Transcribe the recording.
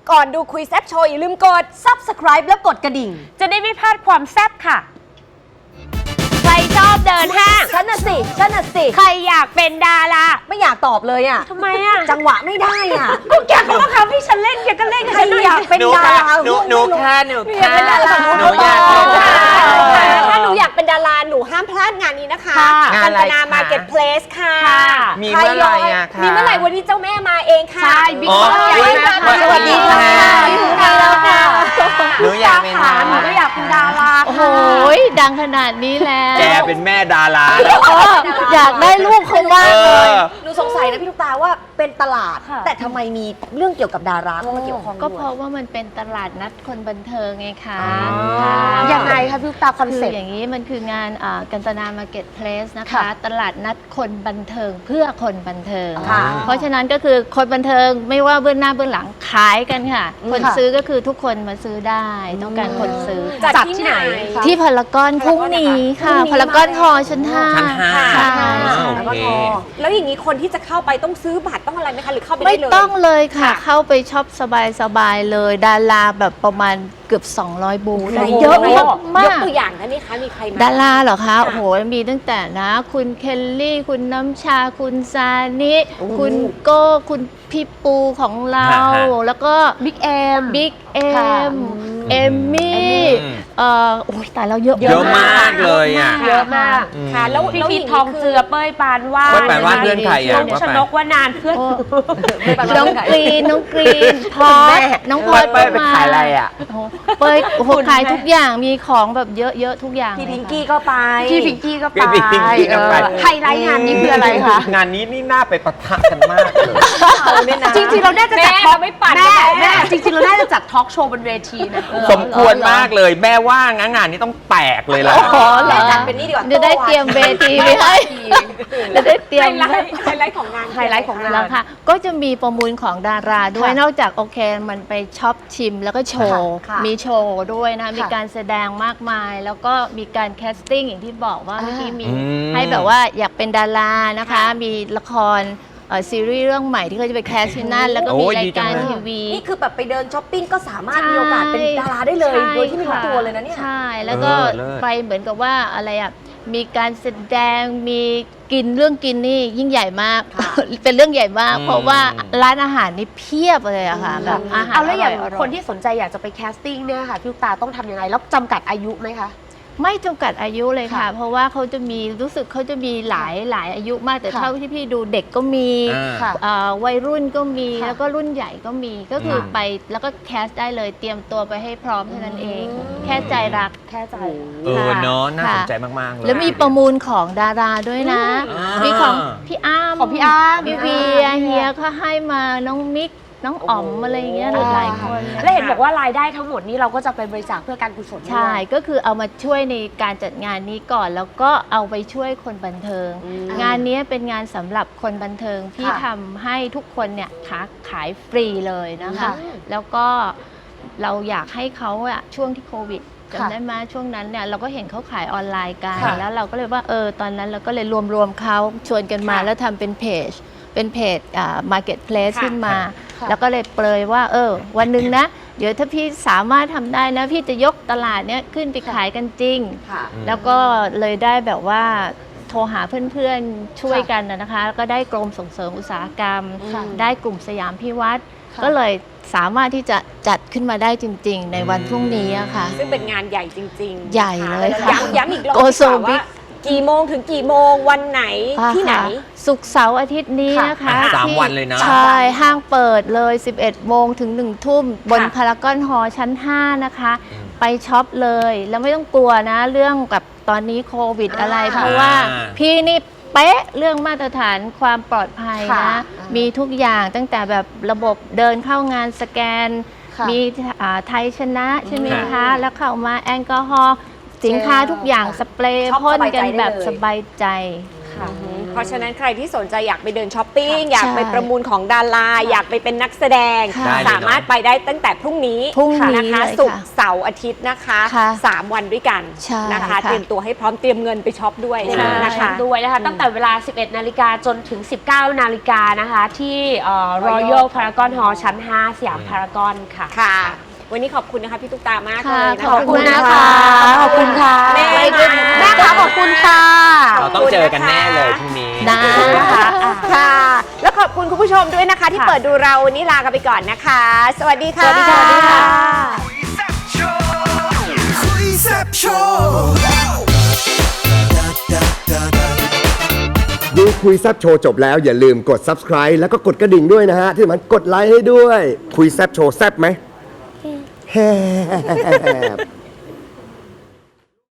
ก่อนดูคุยแซ่บโชว์อย่าลืมกด Subscribe แล้วกดกระดิ่งจะได้ไม่พลาดความแซ่บค่ะ ใครชอบเดินห้างฉันน่ะสิใครอยากเป็นดาราไม่อยากตอบเลยอ่ะทำไมอ่ะจังหวะไม่ได้อ่ะก็แกเขาบังคับให้ฉันเล่นแกก็เล่นใครอยากเป็นดาราหนูแค่หนูอยากเป็นดาราหนูอยากเป็นดาราถ้าหนูอยากเป็นดาราหนูห้ามพลาดงานนี้นะคะค่ะงานอะไรกัญจนาคะมาเก็ตเพลสค่ะมีเมื่อไหร่อะคะมีเมื่อไหร่วันนี้เจ้าแม่มาเองค่ะใช่บิ๊กอ๋อบอสใหญ่มากสวัสดีค่ะ หนูอยากเป็นดาหนูราก็อยากเป็นดาราโอ้โหดังขนาดนี้แล้วแกเป็นแม่ดาราแล้วอยากได้ลูกเขามากเลยหนูสงสัยนะพี่ลูกตาว่าเป็นตลาด แต่ทำไมมีเรื่องเกี่ยวกับดาราเข้ามาเกี่ยวข้องด้วยก็เพราะว่ามันเป็นตลาดนัดคนบันเทิงไงคะยังไงคะพี่ลูกตาคอนคือเซ็ปต์อย่างนี้มันคืองานกัญจนามาร์เก็ตเพลสนะคะค่ะตลาดนัดคนบันเทิงเพื่อคนบันเทิงค่ะเพราะฉะนั้นก็คือคนบันเทิงไม่ว่าเบื้องหน้าเบื้องหลังขายกันค่ะ คนซื้อก็คือทุกคนมาซื้อได้ต้องการคนซื้อจัดที่ไหนที่พารากอนพรุ่งนี้ค่ะพารากอนฮอชั้น 5 ชั้นห้าค่ะแล้วก็โอเคทอแล้วอย่างนี้คนที่จะเข้าไปต้องซื้อบัตรต้องอะไรไหมคะหรือเข้าไปไม่ได้เลยต้องเลยค่ะ เข้าไปช็อปสบายๆเลย ดาราแบบประมาณเกือบ 200 บูธโอ้โหเยอะยมากตัวอย่างนะนี่คะมีใครมาดาราเหรอคะ โอ้โห มีตั้งแต่นะ คุณเคลลี่ คุณน้ำชา คุณซานิ คุณโก้ คุณพี่ปูของเรา แล้วก็บิ๊กเอ็มเอมมี่โอ้ยตายแล้วเยอะเยอะมากเลยอ่ะเยอะมากค่ะแล้วพี่แล้วพีย่าทองเจือเป้ยปานวาดเป้ยปานวาดเพื่อนใครอะน้องชนกวานานเพื่อนน้องกรีนพอสน้องพอสเป้ยไปขายอะไรอ่ะโอ้โหเป้ยโอ้โหขายทุกอย่างมีของแบบเยอะๆทุกอย่างพี่เลยพิงค่ะกี้ก็ไปพี่พิงกี้ก็ไปพี่พิงกี้ก็ไปไฮไลท์งานนี้คืออะไรคะงานนี้นี่น่าไปปะทะกันมากเลยจริงๆเราน่าจะจัดแม่ทอล์เราไม่ปั่นแม่จริงๆเราน่าจะจัดทอล์กโชว์บนเวทีนะสมควรมากเลย แม่ว่างานนี้ต้องแตกเลยล่ะอ๋อเหรแม่อจัดเป็นนี่ดีกว่าจะได้เตรียมเวทีไปให้จะได้เตรียไฮมไลท์ของงานไฮไลท์ของงานแล้วค่ะก็จะมีประมูลของดาราด้วยค่ะนอกจากโอเคมันไปช็อปชิมแล้วก็โชว์ค่ะมีโชว์ด้วยนะมีการแสดงมากมาย แล้วก็มีการแคสติ้งอย่างที่บอกว่าเมื่อกี้มีอืมให้แบบว่าอยากเป็นดารานะคะ มีละครซีรีส์เรื่องใหม่ที่เขาจะไปแคสที่นั่นแล้วก็มีโอ้ยราดียจักาง รเลยทีวีนี่คือแบบไปเดินช้อปปิ้งก็สามารถมีโอกาสเป็นดาราได้เลยใช่โดยที่ไม่รู้ตัวเลยนะเนี่ยใช่ แล้วก็เลิศไปเหมือนกับว่าอะไรอ่ะ มีการแสดง มีกินเรื่องกินนี่ยิ่งใหญ่มาก เป็นเรื่องใหญ่มาก เพราะว่าร้านอาหารนี่เพียบเลยอะค่ะ แบบอาหารเอาแล้วอย่างร่ๆคนที่สนใจอยากจะไปแคสติ้งเนี่ยค่ะพี่ลูกตาต้องทำยังไงแล้วจำกัดอายุไหมคะไม่จำกัดอายุเลยค่ะค่ะเพราะว่าเขาจะมีรู้สึกเขาจะมีหลายอายุมากแต่ค่ะเท่าที่พี่ดูเด็กก็มีค่ะวัยรุ่นก็มีค่ะแล้วก็รุ่นใหญ่ก็มีก็คือค่ะไปแล้วก็แคสได้เลยเตรียมตัวไปให้พร้อมเท่านั้นเอง แค่ใจรักแค่ใจเนาะน่าสนใจมากๆเลยแล้วมีประมูลของดาราด้วยนะอ่ามีมีของพี่อ้ำของพี่อ้ำพี่เวียเฮียเขาให้มาน้องมิก น้องอ๋อมอะไรอย่างเงี้ยหลายคนนะคะและเห็นบอกว่ารายได้ทั้งหมดนี้เราก็จะไปบริจาคเพื่อการกุศลด้วยใช่ ก็คือเอามาช่วยในการจัดงานนี้ก่อน แล้วก็เอาไปช่วยคนบันเทิง งานนี้เป็นงานสำหรับคนบันเทิงที่ทำให้ทุกคนเนี่ยขายฟรีเลยนะคะค่ะแล้วก็เราอยากให้เขาอะช่วงที่โควิดค่ะจำได้ไหมช่วงนั้นเนี่ยเราก็เห็นเขาขายออนไลน์กันค่ะแล้วเราก็เลยว่าตอนนั้นเราก็เลยรวมเขาชวนกันมาค่ะแล้วทำเป็นเพจMarketplace ค่ะขึ้นมาค่ะแล้วก็เลยเปรยว่าวันหนึ่งนะ เดี๋ยวถ้าพี่สามารถทำได้นะ พี่จะยกตลาดเนี้ยขึ้นไปขายกันจริงค่ะแล้วก็เลยได้แบบว่าโทรหาเพื่อนๆช่วยกันนะคะแล้วก็ได้กรมส่งเสริมอุตสาหกรรมค่ะได้กลุ่มสยามพิวัตรค่ะก็เลยสามารถที่จะจัดขึ้นมาได้จริง ๆ ในวันพรุ่งนี้อะค่ะซึ่งเป็นงานใหญ่จริงๆใหญ่เลยค่ะย้ำอีกรอบ Go ดีก so ว่า big ว่ากี่โมงถึงกี่โมงวันไหนที่ไหนศุกร์เสาร์อาทิตย์นี้นะคะสามที่วันเลยนะใช่ห้างเปิดเลย 11 โมงถึง 1 ทุ่ม บนค่ะพารากอนฮอลล์ชั้น 5 นะคะ ไปช็อปเลย แล้วไม่ต้องกลัวนะ เรื่องกับตอนนี้โควิดอะไร เพราะว่าพี่นี่เป๊ะเรื่องมาตรฐานความปลอดภัยค่ะนะ มีทุกอย่างตั้งแต่แบบระบบเดินเข้างานสแกนค่ะมีไทยชนะใช่ไหมค่ะคะ แล้วเข้ามาแอลกอฮอล์สินค้าทุกอย่างสเปรย์ช็อปพ่นกันสบายใจได้แบบเลยสบายใจค่ะเพราะฉะนั้นใครที่สนใจอยากไปเดินช้อปปิ้งค่ะอยากไปใช่ประมูลของดาราอยากไปเป็นนักแสดงค่ะสามารถไปได้ตั้งแต่พรุ่งนี้พรุ่งนี้นะคะเลยค่ะศุกร์เสาร์อาทิตย์นะคะค่ะ 3 วันด้วยกันใช่นะคะค่ะเตรียมตัวให้พร้อมเตรียมเงินไปช็อปด้วยใช่นะคะด้วยนะคะ ตั้งแต่เวลา 11 นาฬิกาจนถึง 19 นาฬิกานะคะ ที่Royal Paragon Hall ชั้น 5 สยามพารากอนค่ะค่ะ วันนี้ขอบคุณนะคะพี่ตุ๊กตามากเลค่ะยนะขอบคุณนะนะคะขอบคุณค่ะแม่แม่คะขอบคุณค่ะเราต้องเจอกันแน่เลยพรุ่งนี้ได้นะคะค่ะ แล้วขอบคุณคุณผู้ชมด้วยนะคะ ที่เปิดดูเราวันนี้ลากันไปก่อนนะคะ สวัสดีค่ะสวัสดีค่ะคุยแซ่บโชว์ดูคุยแซบโชว์จบแล้วอย่าลืมกด subscribe แล้วก็กดกระดิ่งด้วยนะฮะ ที่สำคัญกดไลค์ให้ด้วย คุยแซบโชว์แซบไหมแฮบ